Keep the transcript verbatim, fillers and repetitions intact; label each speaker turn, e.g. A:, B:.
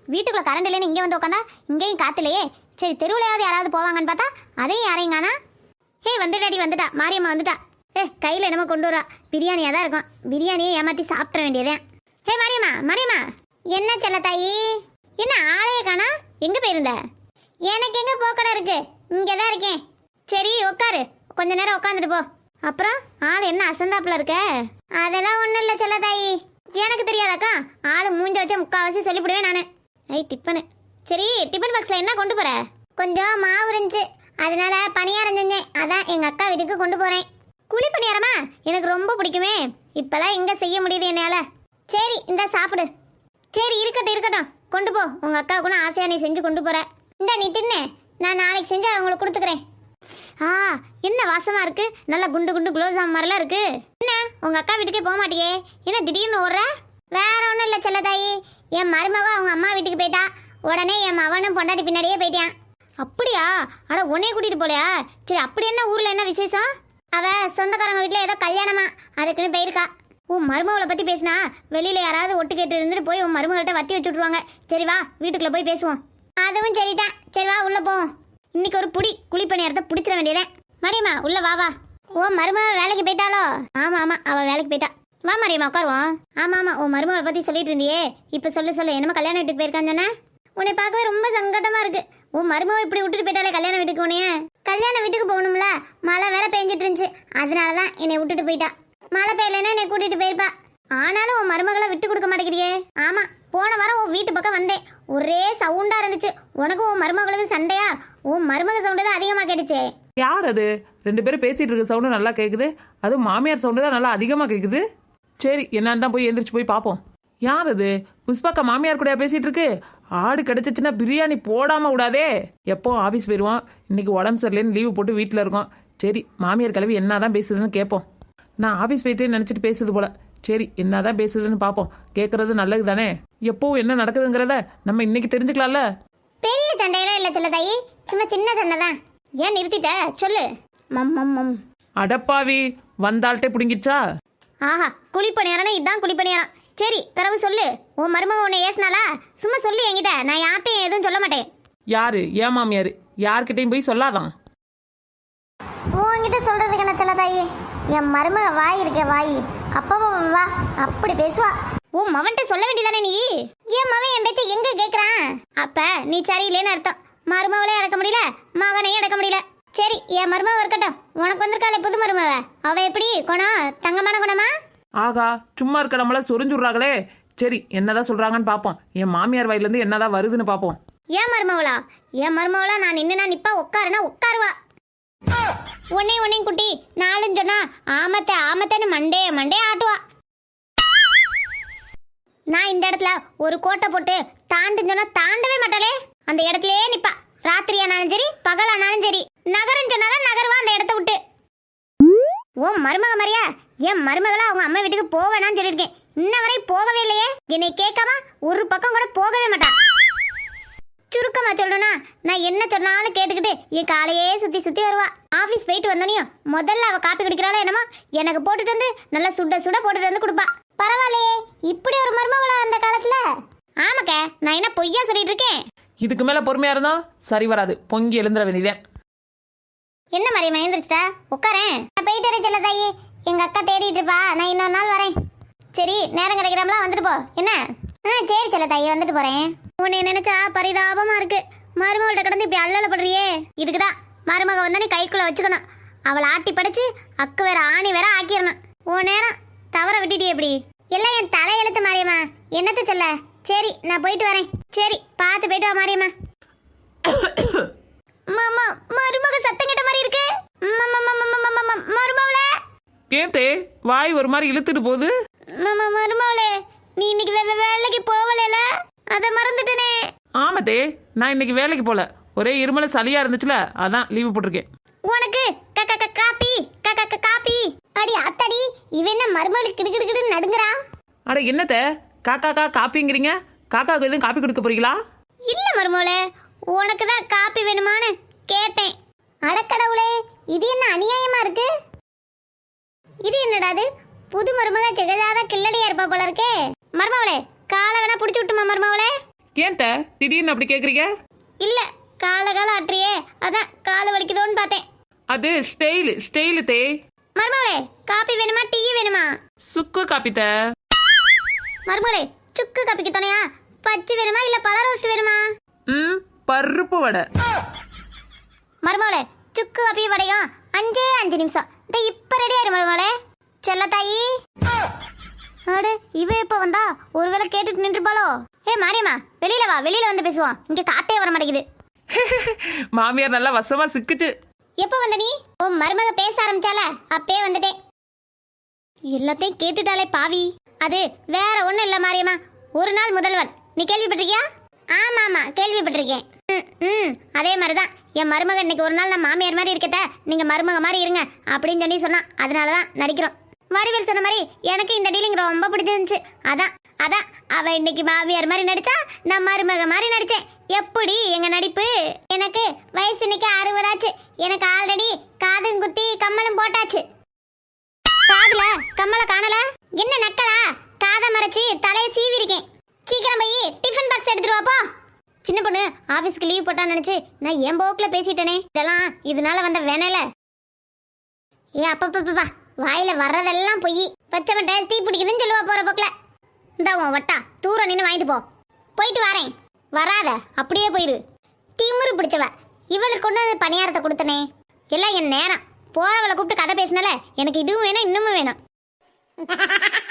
A: வீட்டுக்குள்ள கரண்ட் இல்லைன்னு இங்கே வந்து உட்காந்தா இங்கேயும் காத்துலையே. சரி தெருவுலையாவது யாராவது போவாங்கன்னு பார்த்தா அதையும் யாரையும் காணா. ஹே வந்துட்டாடி வந்துட்டா, மாரியம்மா வந்துட்டா. ஏ கையில் என்னமோ கொண்டு வரா, பிரியாணியாக தான் இருக்கும். பிரியாணியை ஏமாற்றி சாப்பிட வேண்டியதே. ஹே மாரியம்மா மாரியம்மா. என்ன செல்ல தாயி, என்ன ஆளையே காணா, எங்கே போயிருந்த? எனக்கு எங்கே போக்கடை இருக்கு, இங்கே தான் இருக்கேன். சரி உட்காரு, கொஞ்ச நேரம் உட்காந்துட்டு போ. அப்புறம் ஆள் என்ன அசந்தாப்புல இருக்க? அதெல்லாம் ஒன்றும் இல்லை செல்ல தாயி, எனக்கு தெரியாதாக்கா. ஆள் மூஞ்ச வச்சா முக்கால்வாசி சொல்லிவிடுவேன் நான். ஐ டிஃபனு. சரி டிஃபன் பாக்ஸில் என்ன கொண்டு போகிற? கொஞ்சம் மாவு இருந்துச்சு, அதனால பணியாரம் செஞ்சேன். அதான் எங்கள் அக்கா வீட்டுக்கு கொண்டு போகிறேன். குழி பணியாரமா? எனக்கு ரொம்ப பிடிக்குமே. இப்போலாம் எங்கே செய்ய முடியுது என்னால். சரி இந்த சாப்பிடு. சரி இருக்கட்டும் இருக்கட்டும், கொண்டு போ. உங்கள் அக்காவுக்குன்னு ஆசையாக நீ செஞ்சு கொண்டு போகிற. இந்த நீ தின்னு, நான் நாளைக்கு செஞ்சு அவங்களுக்கு கொடுத்துக்கிறேன். ஆ என்ன வாசமாக இருக்குது, நல்லா குண்டு குண்டு குலோப்ஜாம் மாதிரிலாம் இருக்குது. என்ன உங்கள் அக்கா வீட்டுக்கே போக மாட்டியே, என்ன திடீர்னு ஓடுற? வேற ஒன்றும் இல்லை செல்லதாயி, என் மருமவ அவங்க அம்மா வீட்டுக்கு போயிட்டா. உடனே என் மவனும் பொண்டாட்டி பின்னாடியே போயிட்டான். அப்படியா? அட உன்னைய கூட்டிகிட்டு போலையா? சரி அப்படி என்ன ஊரில் என்ன விசேஷம்? அவ சொந்தக்காரங்க வீட்டில் ஏதோ கல்யாணமா, அதுக்குன்னு போயிருக்கா. உன் மருமகளை பற்றி பேசினா வெளியில் யாராவது ஒட்டு கேட்டு இருந்துட்டு போய் உன் மருமகள்கிட்ட வத்தி வச்சு விட்ருவாங்க. சரி வா வீட்டுக்குள்ளே போய் பேசுவோம். அதுவும் சரிதான், சரி வா உள்ளே போவோம். இன்னைக்கு ஒரு புடி குழிப்பணியாரத்தை பிடிச்சிட வேண்டியதேன். மரியம்மா உள்ள வா வா. ஓ மருமக வேலைக்கு போயிட்டாலோ? ஆமாம் ஆமாம் அவள் வேலைக்கு போயிட்டா. வா மரியம்மா உட்காருவோம். ஆமாம் ஆமாம் உன் மருமகளை பற்றி சொல்லிட்டு இருந்தியே, இப்போ சொல்லு சொல்லு. என்னமோ கல்யாண வீட்டுக்கு போயிருக்கான்னு சொன்னேன். உன்னை பார்க்கவே ரொம்ப சங்கடமாக இருக்கு. உன் மருமக இப்படி விட்டுட்டு போயிட்டாலே கல்யாண வீட்டுக்கு. உனைய கல்யாண வீட்டுக்கு போகணும்ல, மழை வேற பெஞ்சிட்டு இருந்துச்சு, அதனால தான் என்னை விட்டுட்டு போயிட்டா. மழை பெய்யலைன்னா என்னை கூட்டிகிட்டு போயிருப்பா. ஆனாலும் உன் மருமகளை விட்டு கொடுக்க மாட்டேங்கிறியே. ஆமாம் போன வாரம் உன் வீட்டு பக்கம் வந்தேன், ஒரே சவுண்டாக இருந்துச்சு. உனக்கும் உன் மருமகளுக்கு சண்டையா? உன் மருமக சவுண்டு தான் அதிகமாக கேட்டுச்சே.
B: யார் அது? ரெண்டு பேரும் பேசிகிட்டு இருக்க சவுண்டு நல்லா கேட்குது, அதுவும் மாமியார் சவுண்டு தான் நல்லா அதிகமாக கேட்குது. சரி என்னன்னு தான் போய் எழுந்திரிச்சு போய் பார்ப்போம். யார் அது? புஷ்பாக்கா மாமியார் கூடயா பேசிகிட்டு இருக்கு? ஆடு கிடச்சிச்சுன்னா பிரியாணி போடாமல் விடாதே. எப்போ ஆஃபீஸ் போயிடுவோம், இன்றைக்கி உடம்பு சரியில்லைன்னு லீவு போட்டு வீட்டில் இருக்கோம். சரி மாமியார் கிளவி என்ன தான் பேசுதுன்னு கேட்போம். நான் ஆஃபீஸ் போயிட்டு நினச்சிட்டு பேசுது போல. சரி என்ன தான் பேசுதுன்னு பார்ப்போம். கேட்குறது நல்லது தானே, எப்போவும் என்ன நடக்குதுங்கிறத நம்ம இன்னைக்கு தெரிஞ்சுக்கலாம்ல.
A: பெரிய சண்டையெல்லாம் இல்லை சொல்ல தாயி, சும்மா சின்ன சண்டை தான். ஏன் நிறுத்திட்ட சொல்லு. மம் மம் மம்.
B: அடப்பாவி வந்தாள்கிட்டே பிடுங்கிடுச்சா?
A: ஆஹா குழிப்பணியாரனா இதுதான் குழிப்பணியாரம். சரி பிறகு சொல்லு. உன் மருமக உன்னை ஏசினாலா? சும்மா சொல்லு என்கிட்ட, நான் யார்கிட்டையும் எதுவும் சொல்ல மாட்டேன்.
B: யாரு? ஏன் மாமியார்? யார்கிட்டையும் போய் சொல்லாதான்.
A: உன்கிட்ட சொல்றதுக்கு என்ன சொல்ல தாயி, என் மருமக வாய் இருக்க வாய் அப்பவா வா அப்படி பேசுவா. உன் மவன்கிட்ட சொல்ல வேண்டியதானே நீ? என் மவன் என் பேச்ச எங்க கேட்கறான்? அப்ப நீ சரியில்லைன்னு அர்த்தம். மருமவளே அடக்க முடியல, மகனையும் அடக்க முடியல. சரி என் மருமக இருக்கட்டும், உனக்கு வந்திருக்காளே புது மருமவ, அவ எப்படி குணம்? தங்கமான குணமா?
B: ஆகா சும்மா இருக்க நம்மள சொரிஞ்சுடுறாங்களே. சரி என்னதான் சொல்றாங்கன்னு பார்ப்போம். என் மாமியார் வாயிலிருந்து என்னதான் வருதுன்னு பார்ப்போம்.
A: ஏன் மருமவளா? என் மருமவளா நான் நின்னுனா நிப்பா, உட்காருனா உட்காருவா. உன்னை உன்னையும் குட்டி நாளும் சொன்னா ஆமத்தை ஆமத்தைன்னு மண்டே மண்டே ஆட்டுவா. நான் இந்த இடத்துல ஒரு கோட்டை போட்டு தாண்டுன்னு சொன்னா தாண்டவே மாட்டாளே, அந்த இடத்துலயே நிப்பா. ராத்திரியானாலும் சரி பகலானாலும் சரி, நகரம் சொன்னாதான் நகருவா அந்த இடத்த விட்டு. ஓ மருமக மாதிரியா? என் மருமகளா அவங்க அம்மா வீட்டுக்கு போவேனான்னு சொல்லியிருக்கேன், இன்ன வரை போகவே இல்லையே. என்னை கேட்காம ஒரு பக்கம் கூட போகவே மாட்டான். சுருக்கமா சொல்லணும்னா நான் என்ன சொன்னாலும் கேட்டுக்கிட்டு என் காலையே சுத்தி சுத்தி வருவா. ஆபீஸ் போயிட்டு வந்தோனையும் முதல்ல அவ காப்பி குடிக்கிறாளோ என்னமோ எனக்கு போட்டுட்டு வந்து நல்லா சுட சுட போட்டுட்டு வந்து கொடுப்பா. பரவாயில்லையே இப்படி ஒரு மருமகளா அந்த காலத்துல. ஆமாக்க நான் என்ன பொய்யா சொல்லிட்டு இருக்கேன்?
B: இதுக்கு மேல பொறுமையா இருந்தா சரி வராது, பொங்கி எழுந்துட வேண்டியதேன்.
A: என்ன மாதிரி மயந்துருச்சுட்டா, உட்காரேன். நான் போயிட்டு வரேன் செல்ல தாயி, எங்க அக்கா தேடிட்டு இருப்பா. நான் இன்னொரு நாள் வரேன். சரி நேரம் கிடைக்கிறாமலாம் வந்துட்டு போ என்ன? ஆ சரி செல்ல தாயி வந்துட்டு போறேன். உன்னை நினைச்சா பரிதாபமா இருக்கு, மருமகள்கிட்ட கிடந்து இப்படி அல்லலப்படுறியே. இதுக்குதான் மருமக வந்தா நீ கைக்குள்ள வச்சுக்கணும், அவளை ஆட்டி படைச்சு அக்கு வேற ஆணி வேற ஆக்கிடணும். உன் நேரம் தவற விட்டுட்டியே இப்படி. எல்லாம் என் தலையெழுத்து மாரியம்மா, என்னத்த சொல்ல. சரி நான் போயிட்டு வரேன். சரி பார்த்து போயிட்டு வா மாரியம்மா. மாமா மருமக சத்தம் கேட்ட மாதிரி இருக்கு. மருமவளே
B: ஏத்தே வாய் ஒரு மாதிரி இழுத்துட்டு போகுது.
A: மாமா மருமவளே நீ இன்னைக்கு வேலைக்கு போகல, அத மறந்துட்டனே.
B: ஆமாத்தே நான் இன்னைக்கு வேலைக்கு போல, ஒரே இருமல சளியா இருந்துச்சுல அதான் லீவு போட்டிருக்கேன்.
A: உனக்கு காப்பி காப்பி. அடி அத்தடி இவ என்ன மருமகளுக்கு கிடுகிடுன்னு நடுங்குறா.
B: அட என்னத்த காக்கா கா காப்பிங்கிறீங்க? காக்காவுக்கு எதுவும் காப்பி கொடுக்க போறீங்களா?
A: இல்ல மருமவளே உனக்கு தான் காப்பி வேணுமான்னு கேட்டேன். அடக்கடவுளே இது என்ன அநியாயமா இருக்கு. இது என்னடாது புது மருமக ஜெகதாத கில்லடியா இருப்பா போல இருக்கே. மருமவளே காலை வேணா புடிச்சு விட்டுமா மருமவளே.
B: ஏன் த திடீர்னு அப்படி கேட்குறீங்க?
A: இல்ல கால கால ஆட்டுறியே அதான் கால் வலிக்குதோன்னு பார்த்தேன்.
B: அது ஸ்டைலு ஸ்டைலு தே.
A: மருமகளே காப்பி வேணுமா டீ வேணுமா?
B: சுக்கு காப்பித்த.
A: மருமகளே சுக்கு காப்பிக்கு துணையா பச்சை வேணுமா இல்ல பழ ரோஸ்ட் வேணுமா?
B: ம் பருப்பு வடை.
A: மருமகளே சுக்கு காப்பி வடையும் அஞ்சே அஞ்சு நிமிஷம் இந்த இப்ப ரெடி ஆயிரு மருமகளே. செல்ல தாயி. அடே இவ எப்ப வந்தா ஒருவேளை கேட்டுட்டு நின்றுப்பாளோ? ஏ மாரியம்மா வெளியில வா, வெளியில வந்து பேசுவோம். இங்க காத்தே வர மாட்டேங்குது.
B: மாமியார் நல்லா வசமா சிக்குச்சு.
A: எப்ப வந்த நீ? உன் மருமக பேச ஆரம்பிச்சால அப்பே வந்துட்டேன். எல்லாத்தையும் கேட்டுட்டாலே பாவி. அது வேற ஒண்ணும் இல்ல மாரியம்மா, ஒரு நாள் முதல்வன். நீ கேள்விப்பட்டிருக்கியா? ஆமா ஆமா கேள்விப்பட்டிருக்கேன். ம் ம் அதே மாதிரிதான் என் மருமக இன்னைக்கு ஒரு நாள் நான் மாமியார் மாதிரி இருக்கட்ட நீங்க மருமக மாதிரி இருங்க அப்படின்னு சொல்லி சொன்னா, அதனாலதான் நடிக்கிறோம். வடிவேல் சொன்ன மாதிரி எனக்கு இந்த டீலிங் ரொம்ப பிடிச்சிருந்துச்சு. அதான் அதான் அவ இன்னைக்கு மாமியார் மாதிரி நடிச்சா நான் மருமக மாதிரி நடிச்சேன். எப்படி எங்க நடிப்பு? எனக்கு வயசு இன்னைக்கு அறுபதாச்சு. எனக்கு ஆல்ரெடி காதும் குத்தி கம்மலும் போட்டாச்சு. காதுல கம்மல காணல? என்ன நக்கலா? காதை மறைச்சு தலையை சீவி இருக்கேன். சீக்கிரம் போய் டிஃபன் பாக்ஸ் எடுத்துட்டு வாப்போ. சின்ன பொண்ணு ஆபீஸ்க்கு லீவ் போட்டான்னு நினைச்சு நான் என் போக்குல பேசிட்டேனே. இதெல்லாம் இதனால வந்த வேணல. ஏ அப்பப்பா வாயில வர்றதெல்லாம் பொய். பச்சை மட்டை தீ பிடிக்குதுன்னு சொல்லுவா போற போக்குல. இந்த உன் வட்டா தூரம் நின்று வாங்கிட்டு போ. போயிட்டு வரேன். வராத அப்படியே போயிரு. திமிரு பிடிச்சவ. இவளுக்கு கொண்டு வந்து பணியாரத்தை கொடுத்தனே. எல்லாம் என் நேரம். போறவளை கூப்பிட்டு கதை பேசினால எனக்கு இதுவும் வேணும் இன்னமும் வேணும்.